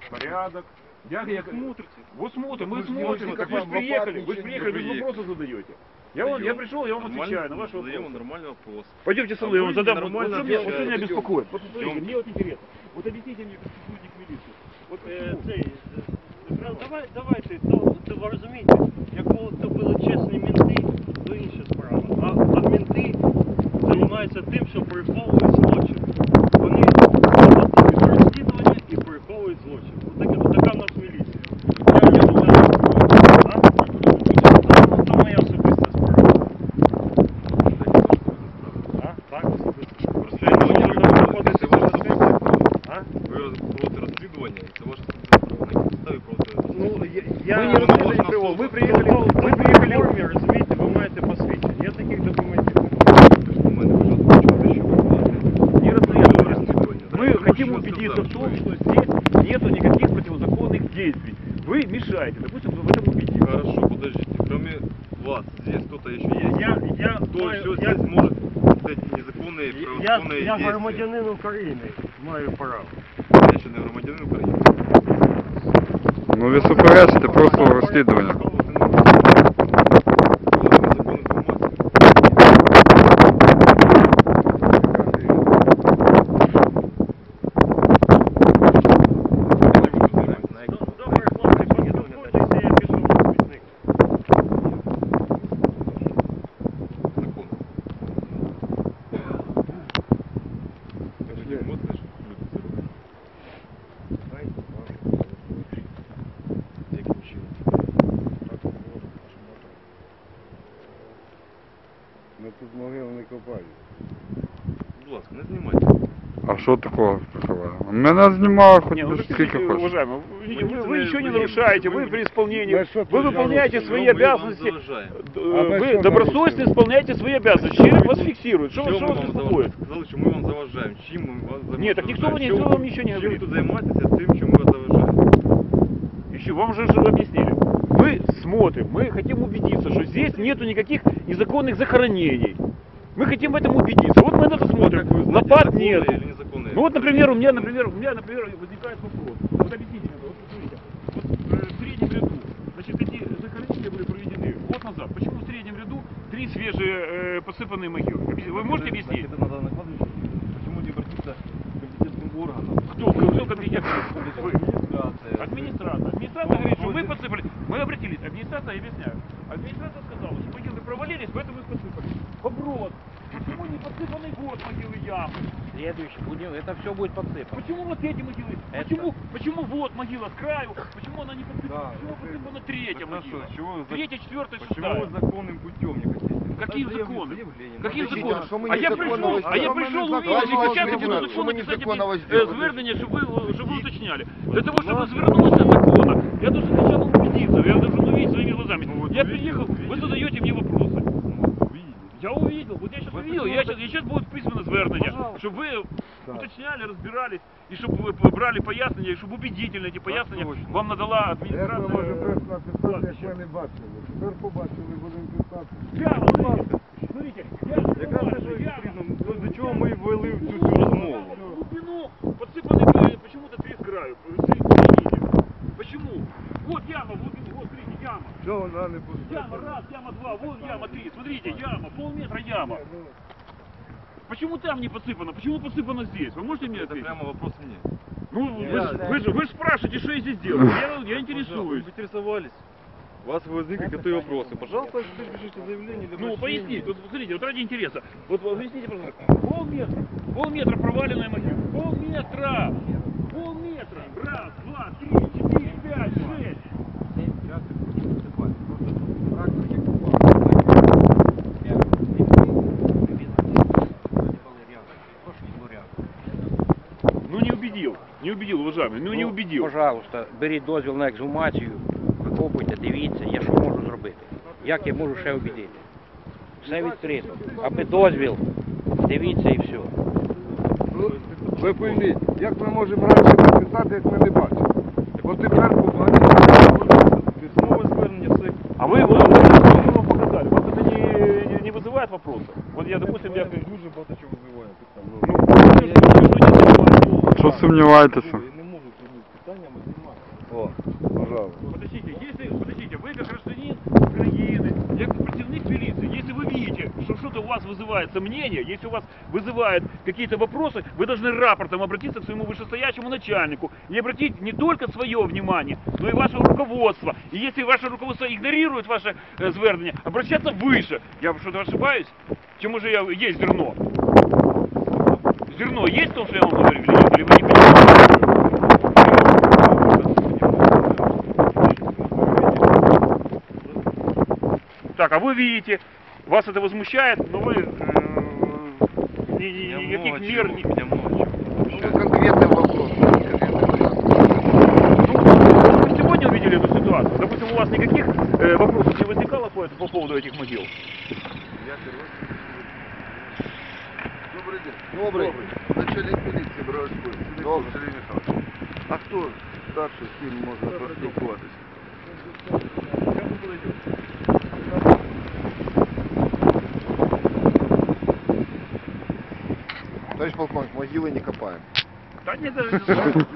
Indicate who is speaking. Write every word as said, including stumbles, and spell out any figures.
Speaker 1: порядок. Я, я,
Speaker 2: Смотрите.
Speaker 1: вот смотрим, мы
Speaker 3: Вы же
Speaker 1: смотрим,
Speaker 3: не
Speaker 1: так вы же
Speaker 3: можете
Speaker 1: приехали, вы же
Speaker 3: ничего
Speaker 1: приехали,
Speaker 3: не
Speaker 1: вы же вопросы задаете. Я, вам, я пришел, я вам отвечаю на ваши вопросы.
Speaker 2: Нормальный вопрос.
Speaker 1: Пойдемте со
Speaker 2: А
Speaker 1: мной, я
Speaker 2: вы
Speaker 1: вам задам, вот,
Speaker 2: нормально
Speaker 1: вот, что меня, вот что
Speaker 2: отвечаете.
Speaker 1: меня беспокоит. Вот смотрите,
Speaker 2: Идемте.
Speaker 1: мне вот интересно, вот объясните мне, как сотрудник милиции, вот
Speaker 4: Е,
Speaker 1: почему?
Speaker 4: цей, е, давай, давайте, то, то ви розумієте, якби то були чесні мінти, то інша справа. А, а мінти займаються тим, що приховують злочин. Вони готують розслідування і приховують злочин. От така, така в нас міліція. Я, я думаю, а? Ну, то моя особиста справа. А? Так, особиста.
Speaker 2: Розслідування робите, це ваше особисте право.
Speaker 4: А?
Speaker 2: Ви проводите розслідування, і це ваше особисте право. На якій підставі проводите розслідування?
Speaker 4: Ну, я,
Speaker 1: Мы
Speaker 4: я
Speaker 1: не расследуем тревогу, мы приехали, мы приехали...
Speaker 4: в формі, розумієте, ви маєте посвідчення. Я таких документів не
Speaker 2: Документи, ви ж почули, що ви платите.
Speaker 1: Не расследуем.
Speaker 2: Розслідування.
Speaker 1: Мы
Speaker 2: Так,
Speaker 1: хотим
Speaker 2: що
Speaker 1: убедиться в
Speaker 2: сказав,
Speaker 1: том,
Speaker 2: що-
Speaker 1: что здесь нету никаких противозаконных действий. Вы мешаете, допустим, в этом убедиться.
Speaker 2: Хорошо, подождите. Кроме вас, здесь кто-то еще есть?
Speaker 4: Я, я,
Speaker 2: Кто
Speaker 4: маю-
Speaker 2: еще
Speaker 4: я,
Speaker 2: здесь может эти незаконные,
Speaker 4: я,
Speaker 2: правозаконные
Speaker 4: я
Speaker 2: действия?
Speaker 4: громадянин України, маю право.
Speaker 2: Я ще не громадянин України.
Speaker 5: Ну ви суперечите просто розслідування.
Speaker 4: Добре, хлопці, поспілкуйтеся, я пішов в смітник.
Speaker 3: Ми тут могили не копаємо.
Speaker 2: Будь ласка, не знімайте.
Speaker 5: А що такого приховали? Мене знімали хоч
Speaker 1: Не, ну,
Speaker 5: скільки
Speaker 1: скажите,
Speaker 5: хочеш.
Speaker 1: уважаемый, вы,
Speaker 2: Вы
Speaker 1: вы,
Speaker 2: не
Speaker 1: ничего не
Speaker 2: знаете,
Speaker 1: нарушаете,
Speaker 2: вы-
Speaker 1: вы при исполнении,
Speaker 3: Мы что
Speaker 1: вы
Speaker 3: тут
Speaker 1: выполняете
Speaker 3: нарушили?
Speaker 1: свои
Speaker 2: Ну, мы вам
Speaker 1: обязанности,
Speaker 2: заважаем.
Speaker 1: д-
Speaker 3: А мы
Speaker 1: вы
Speaker 3: что
Speaker 1: добросовестно
Speaker 3: нарушили?
Speaker 1: исполняете свои обязанности, человек вас фиксирует, что,
Speaker 2: Що
Speaker 1: что
Speaker 2: ми
Speaker 1: вас
Speaker 2: вам
Speaker 1: беспокоит?
Speaker 2: заважаємо? Сказали, що ми вам заважаємо. Чим ми вас заважаємо?
Speaker 1: Нет, так никто вам-
Speaker 2: Що
Speaker 1: никто
Speaker 2: ви
Speaker 1: вам
Speaker 2: тут-
Speaker 1: ничего не
Speaker 2: чим
Speaker 1: говорит.
Speaker 2: ви тут займаєтеся тим, чим ми вас заважаємо?
Speaker 1: Еще вам же же объяснили. Мы смотрим, мы хотим убедиться, что здесь нету никаких незаконных захоронений. Мы хотим в этом убедиться. Вот мы на это смотрим.
Speaker 2: Как вы знаете,
Speaker 1: Лопат
Speaker 2: законные
Speaker 1: нет.
Speaker 2: или незаконные?
Speaker 1: Ну вот, например, у меня, например, у меня, например, возникает вопрос. Вот объясните мне, вот смотрите, вот э, в среднем ряду, значит, такие захоронения были проведены год назад. Почему в среднем ряду три свежие э, посыпанные могилы? Объясни- Вы можете объяснить?
Speaker 2: Это надо накладывать. Почему не обратиться к компетентным органам?
Speaker 1: Кто, кто компетентный? Вы.
Speaker 2: Администрация.
Speaker 1: Администрация. Администрация говорит, что вы подсыпали. Мы обратились. Администрация, я объясняю. Администрация сказала, что могилы провалились, поэтому их подсыпали. Вопрос. Почему не подсыпанный год могилы ямы?
Speaker 6: Следующий будем, это все будет подсыпано.
Speaker 1: Почему вот эти могилы?
Speaker 6: Это-
Speaker 1: Почему, почему вот могила с краю? Почему она не подсыпана?
Speaker 2: Да,
Speaker 1: Почему
Speaker 2: это-
Speaker 1: подсыпана третья
Speaker 2: Хорошо,
Speaker 1: могила?
Speaker 2: чего вы за-
Speaker 1: Третья, четвертая,
Speaker 2: Почему
Speaker 1: шестая.
Speaker 2: вы законным путем не хотите?
Speaker 1: Каким
Speaker 2: Надо
Speaker 1: законом?
Speaker 2: заявление.
Speaker 1: Каким
Speaker 2: Надо
Speaker 1: законом?
Speaker 3: а що ми
Speaker 1: А я
Speaker 3: незаконно
Speaker 1: прийшов, а я
Speaker 3: возьмемо?
Speaker 1: прийшов
Speaker 3: Що ми
Speaker 1: увидеть,
Speaker 3: незаконно
Speaker 1: і зараз
Speaker 3: возьмемо?
Speaker 1: буду
Speaker 3: Що ми
Speaker 1: законно
Speaker 3: незаконно
Speaker 1: писати
Speaker 3: возьмемо?
Speaker 1: звернення, щоб ви, щоб ви уточняли. Для того, чтобы развернулся законно, я должен сначала убедиться, я должен увидеть своими глазами.
Speaker 2: Ну, вот
Speaker 1: Я
Speaker 2: увидели,
Speaker 1: приехал, вы
Speaker 2: увидели.
Speaker 1: задаете мне вопросы.
Speaker 2: Ну, увидели.
Speaker 1: Я увидел, вот я сейчас
Speaker 2: Вы
Speaker 1: увидел, я
Speaker 2: хотите-
Speaker 1: сейчас, я сейчас будет письменное звернення,
Speaker 2: Пожалуйста.
Speaker 1: щоб ви
Speaker 3: Так.
Speaker 1: уточняли, розбирались, і щоб ви брали пояснення, і щоб убедительно ці пояснення
Speaker 2: точно.
Speaker 1: вам надала
Speaker 3: Як ми
Speaker 1: адміністрація.
Speaker 3: можемо просто написати, як
Speaker 1: Кладбища.
Speaker 3: ми не бачили? Тепер побачили, будемо писати.
Speaker 1: Я, смотрите, смотрите, я
Speaker 2: Якраз
Speaker 1: бачу,
Speaker 2: те, що
Speaker 1: я-
Speaker 2: потрібно, до- до чого ми ввели в цю всю розмову.
Speaker 1: Глубину подсыпаны почему-то три с краю, середине. Почему? Вот яма, в глубину, вот смотрите, яма.
Speaker 3: Що вона не пустила?
Speaker 1: Яма раз, яма два, вон яма три. Смотрите, яма, полметра яма. Почему там не подсыпано? Почему подсыпано здесь? Вы можете мне
Speaker 2: Это
Speaker 1: ответить?
Speaker 2: прямо вопрос мне.
Speaker 1: Ну, вы,
Speaker 2: Я-
Speaker 1: ж- вы, же, вы же спрашиваете, что я здесь делаю. Я, я интересуюсь.
Speaker 2: Вы интересовались. У вас возникли какие-то вопросы. Пожалуйста, пишите заявление. или
Speaker 1: Ну,
Speaker 2: обращение.
Speaker 1: поясните, вот смотрите, вот ради интереса. Вот объясните, пожалуйста. Полметра, полметра проваленная могила. Полметра! Полметра! Раз, два, три, четыре, пять, шесть. Ну не убедил, не убедил, уважаемый, ну не убедил.
Speaker 6: Пожалуйста, беріть дозвіл на ексгумацію, викопуйте, дивіться, я що можу зробити. Як я можу ще обідати? Все відкрито. Аби дозвіл, дивіться і все.
Speaker 3: Ну, ви пойміть, як ми можемо раніше написати, як ми не бачимо? От тепер побачимо.
Speaker 2: Письмовое звернення це.
Speaker 1: А вы, вы, вы, вы вам показали, вас это не, не, не вызывает вопроса? Вот я, допустим, я...
Speaker 2: дуже багато чого визиває питання.
Speaker 1: Ну,
Speaker 5: Що сумніваєтеся?
Speaker 2: Я не можу прийняти питання.
Speaker 3: О, пожалуйста.
Speaker 1: Подождите, если, подождите, вы как гражданин Украины, я как противник милиции, если вы видите, что что-то у вас вызывает сомнения, если у вас вызывают какие-то вопросы, вы должны рапортом обратиться к своему вышестоящему начальнику и обратить не только свое внимание, но и ваше руководство. И если ваше руководство игнорирует ваше э, звернення, обращаться выше. Я что-то ошибаюсь? Чему же я есть зерно? Зерно есть в том, что я вам говорю, или нет? Или вы не понимаете? Так, а вы видите, вас это возмущает, но вы э, ни- ни-
Speaker 2: Меня
Speaker 1: никаких
Speaker 2: много
Speaker 1: мер
Speaker 2: чего,
Speaker 1: не...
Speaker 2: меня много чего.
Speaker 3: Ну, конкретный вопрос.
Speaker 1: Ну, вы сегодня увидели эту ситуацию? Допустим, у вас никаких э, вопросов не возникало по, по поводу этих могил?
Speaker 3: Добрый день. Добрый. Начальник милиции Броварской. Добрый. Сергей Михайлович. А хто старший, з ким можна поспілкуватися? Товарищ полковник, могилы не копаем.
Speaker 1: Да нет, даже...